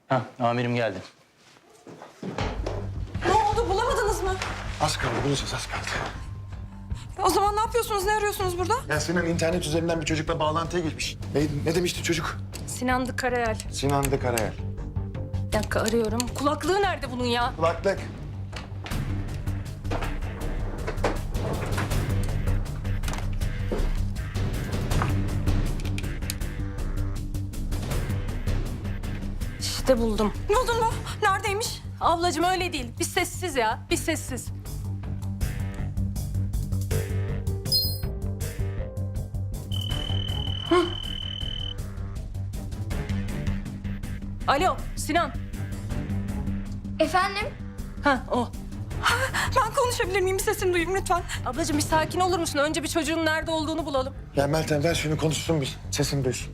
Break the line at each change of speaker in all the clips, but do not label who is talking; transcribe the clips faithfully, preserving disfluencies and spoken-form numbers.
Hah, amirim geldi.
Ne oldu, bulamadınız mı?
Az kaldı, bulacağız, az kaldı.
O zaman ne yapıyorsunuz, ne arıyorsunuz burada?
Ya Sinan internet üzerinden bir çocukla bağlantıya geçmiş. Ne, ne demişti çocuk?
Sinan'dı Karayel.
Sinan de Karayel.
Bir dakika arıyorum. Kulaklığı nerede bunun ya?
Kulaklık.
İşte buldum. Buldun mu? Neredeymiş? Ablacığım öyle değil. Bir sessiz ya, bir sessiz. Hı. Alo, Sinan.
Efendim?
Ha, o. Ben konuşabilir miyim? Bir sesini duyayım lütfen. Ablacığım bir sakin olur musun? Önce bir çocuğun nerede olduğunu bulalım.
Ya Meltem ver şunu konuşsun bir. Sesini duysun.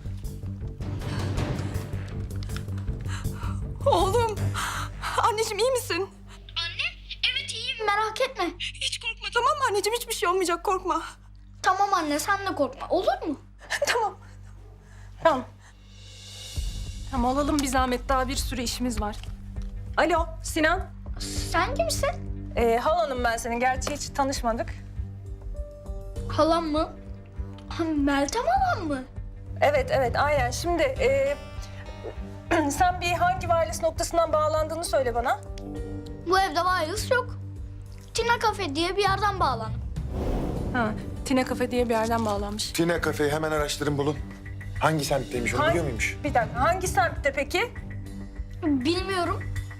Oğlum. Anneciğim iyi misin?
Anne, evet iyiyim merak etme.
Hiç korkma tamam mı anneciğim? Hiçbir şey olmayacak korkma.
Tamam anne sen de korkma olur mu?
Tamam. Tamam. Tamam alalım bir zahmet. Daha bir sürü işimiz var. Alo Sinan.
Sen kimsin?
Ee, halanım ben senin. Gerçi hiç tanışmadık.
Halam mı? Ha, Meltem halam mı?
Evet evet aynen. Şimdi e, sen bir hangi wireless noktasından bağlandığını söyle bana.
Bu evde wireless yok. Tina Cafe diye bir yerden bağlandım.
Ha, Tine Cafe diye bir yerden bağlanmış.
Tine kafeyi hemen araştırın bulun. Hangi semtteymiş onu
Hangi-
biliyor muymuş?
Bir dakika hangi semtte peki?
Bilmiyorum.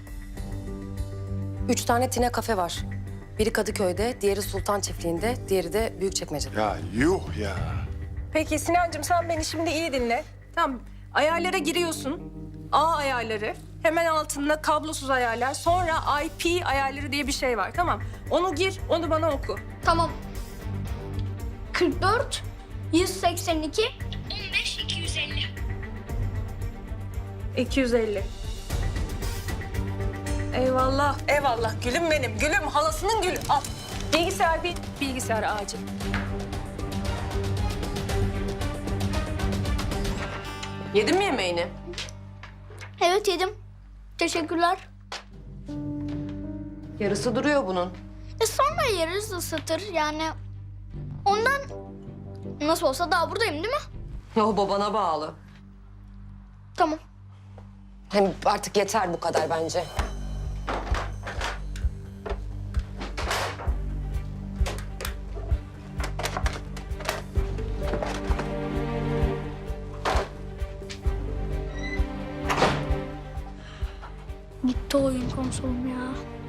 Üç tane Tine kafe var. Biri Kadıköy'de, diğeri Sultan Çiftliği'nde, diğeri de Büyükçekmece'de.
Ya yuh ya.
Peki Sinancığım sen beni şimdi iyi dinle. Tamam ayarlara giriyorsun. A ayarları. Hemen altında kablosuz ayarlar. Sonra I P ayarları diye bir şey var tamam. Onu gir, onu bana oku.
Tamam. kırk dört, yüz seksen iki, on beş, iki yüz elli.
iki yüz elli. Eyvallah, eyvallah. Gülüm benim, gülüm. Halasının gülü. Al. Bilgisayar bir, bilgisayar acil.
Yedin mi yemeğini?
Evet yedim. Teşekkürler.
Yarısı duruyor bunun.
E sonra yeriz ısıtır yani. Ondan nasıl olsa daha buradayım değil mi?
O babana bağlı.
Tamam.
Hem artık yeter bu kadar bence.
Gitti oyun konsolum ya.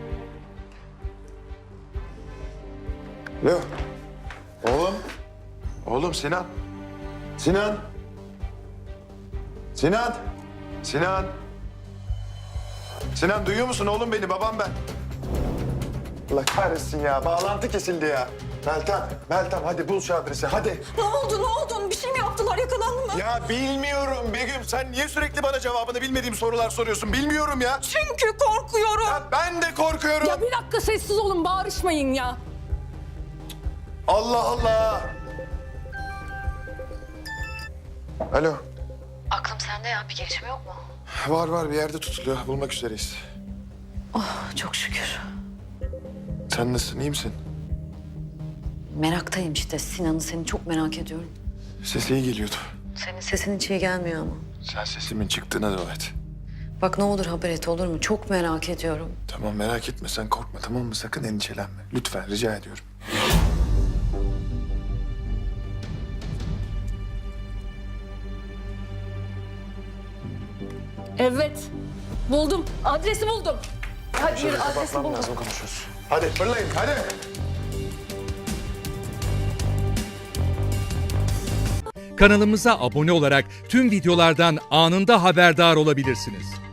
Alo. Oğlum. Oğlum Sinan. Sinan. Sinan. Sinan. Sinan duyuyor musun oğlum beni? Babam ben. Allah kahretsin ya. Bağlantı kesildi ya. Meltem, Meltem hadi bul şu adresi hadi.
Ne oldu, ne oldu? Bir şey mi yaptılar, yakalandı mı?
Ya bilmiyorum Begüm. Sen niye sürekli bana cevabını bilmediğim sorular soruyorsun? Bilmiyorum ya.
Çünkü korkuyorum.
Ya ben de korkuyorum.
Ya bir dakika sessiz olun, bağırışmayın ya.
Allah Allah. Alo.
Aklım sende ya, bir gelişme yok mu?
Var var bir yerde tutuluyor. Bulmak üzereyiz.
Çok şükür.
Sen nasılsın? İyi misin?
Meraktayım işte. Sinan'ı seni çok merak ediyorum.
Sesi iyi geliyordu.
Senin sesin hiç iyi gelmiyor ama.
Sen sesimin çıktığına dua et.
Bak ne olur haber et olur mu? Çok merak ediyorum.
Tamam merak etme sen korkma tamam mı? Sakın endişelenme. Lütfen rica ediyorum.
Evet, buldum. Adresi buldum. Hadi
Şöyle
yürü, adresi
kapatmam
buldum.
lazım konuşuyoruz. Hadi fırlayın hadi.
Kanalımıza abone olarak tüm videolardan anında haberdar olabilirsiniz.